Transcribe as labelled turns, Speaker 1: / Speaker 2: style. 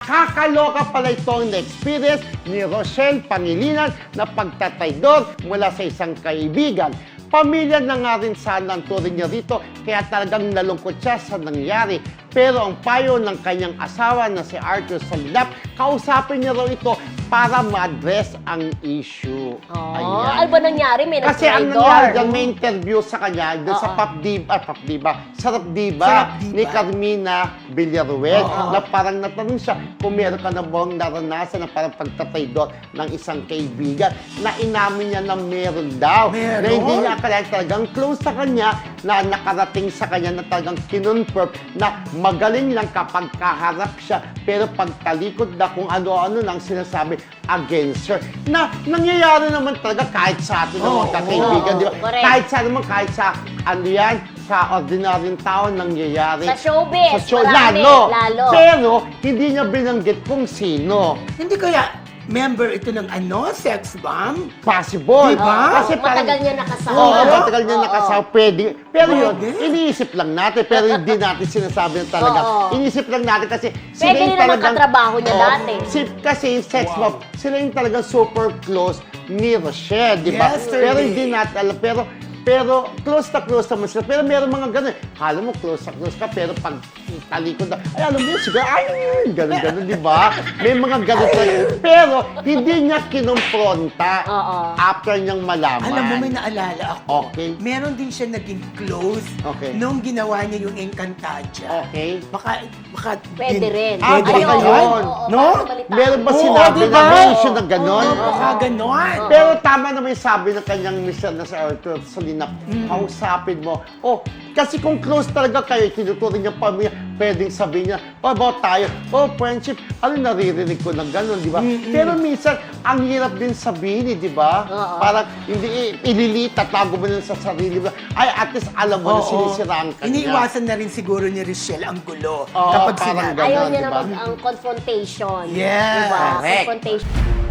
Speaker 1: Nakakaloka pala itong na-experience ni Rochelle Pangilinan na pagtataydor mula sa isang kaibigan. Pamilya na nga rin sana ang turing niya rito, kaya talagang nalungkot siya sa nangyari. Pero ang payo ng kanyang asawa na si Arthur Solinap, kausapin niya raw ito para ma-address ang issue.
Speaker 2: Oh, ano ba nangyari? May
Speaker 1: Kasi ang
Speaker 2: nag-traidor.
Speaker 1: nangyari dyan, may interview sa kanya doon sa Sarap Diba ni Carmina Villaruel na parang natanong siya kung meron ka na bang naranasan na parang pagtataydor ng isang kaibigan na inamin niya na meron daw.
Speaker 3: Meron?
Speaker 1: Na hindi niya akalain talagang close sa kanya na nakarating sa kanya na talagang kinonfirm na magaling lang kapag kaharap siya pero pagtalikod na kung ano-ano lang sinasabi against her. Na nangyayari naman talaga kahit sa atin ng mga kaibigan, di ba?
Speaker 2: Correct.
Speaker 1: Kahit sa naman, kahit sa ano yan, sa ordinaryong tao nangyayari.
Speaker 2: Sa showbiz,
Speaker 1: Sa show,
Speaker 2: marami,
Speaker 1: lalo.
Speaker 2: lalo.
Speaker 1: Pero, hindi niya binanggit kung sino.
Speaker 3: Hindi kaya member ito ng sex bomb?
Speaker 1: Possible.
Speaker 3: Diba?
Speaker 1: Kasi parang,
Speaker 2: Matagal niya nakasama.
Speaker 1: Oo, matagal niya nakasama. Pwede. Pero yun,
Speaker 3: Pwede.
Speaker 1: iniisip lang natin. Pero hindi natin sinasabi na talaga.
Speaker 2: Oo.
Speaker 1: Iniisip lang natin kasi
Speaker 2: Pwede rin naman katrabaho niya
Speaker 1: Oo.
Speaker 2: dati.
Speaker 1: Kasi yung sex bomb, sila yung talagang super close ni Rochelle, di ba?
Speaker 3: Yesterday.
Speaker 1: Pero hindi natin alam. Pero close naman sila. Pero meron mga ganun. Kala mo close ka, pero pag talikod na, ay alam mo yun, siguro, ay, ganun, di ba? May mga ganun talaga. Pero hindi niya kinumpronta after niyang malaman.
Speaker 3: Alam mo, may naalala ako.
Speaker 1: Okay.
Speaker 3: Meron din siya naging close
Speaker 1: Okay.
Speaker 3: nung ginawa niya yung Encantadia.
Speaker 1: Okay.
Speaker 3: Baka
Speaker 2: Pwede rin.
Speaker 1: Baka
Speaker 3: Pwede
Speaker 1: yun.
Speaker 3: yun. No?
Speaker 1: Meron ba
Speaker 3: Oo,
Speaker 1: sinabi
Speaker 3: diba?
Speaker 1: na may issue na gano'n?
Speaker 3: Oo, baka ganon.
Speaker 1: Pero tama naman yung sabi ng kanyang mister na si Arthur Solinap, kausapin mo. Oh, kasi kung close talaga kayo, tinuturing niya pamilya, pwedeng sabihin niya, about tayo, friendship, naririnig ko ng gano'n, di ba? Pero minsan, ang hirap din sabihin, di ba? Parang hindi ililita, tago mo na sa sarili mo. Ay, at least alam mo na sinisiraan ka niya.
Speaker 3: Iniiwasan na rin siguro ni Rochelle ang gulo
Speaker 1: Oo,
Speaker 3: kapag
Speaker 1: parang
Speaker 3: sinabi.
Speaker 1: ganun.
Speaker 2: Ayaw niya
Speaker 1: diba?
Speaker 2: naman ang confrontation.
Speaker 3: Yes.
Speaker 2: Diba?
Speaker 1: Correct.
Speaker 2: Confrontation.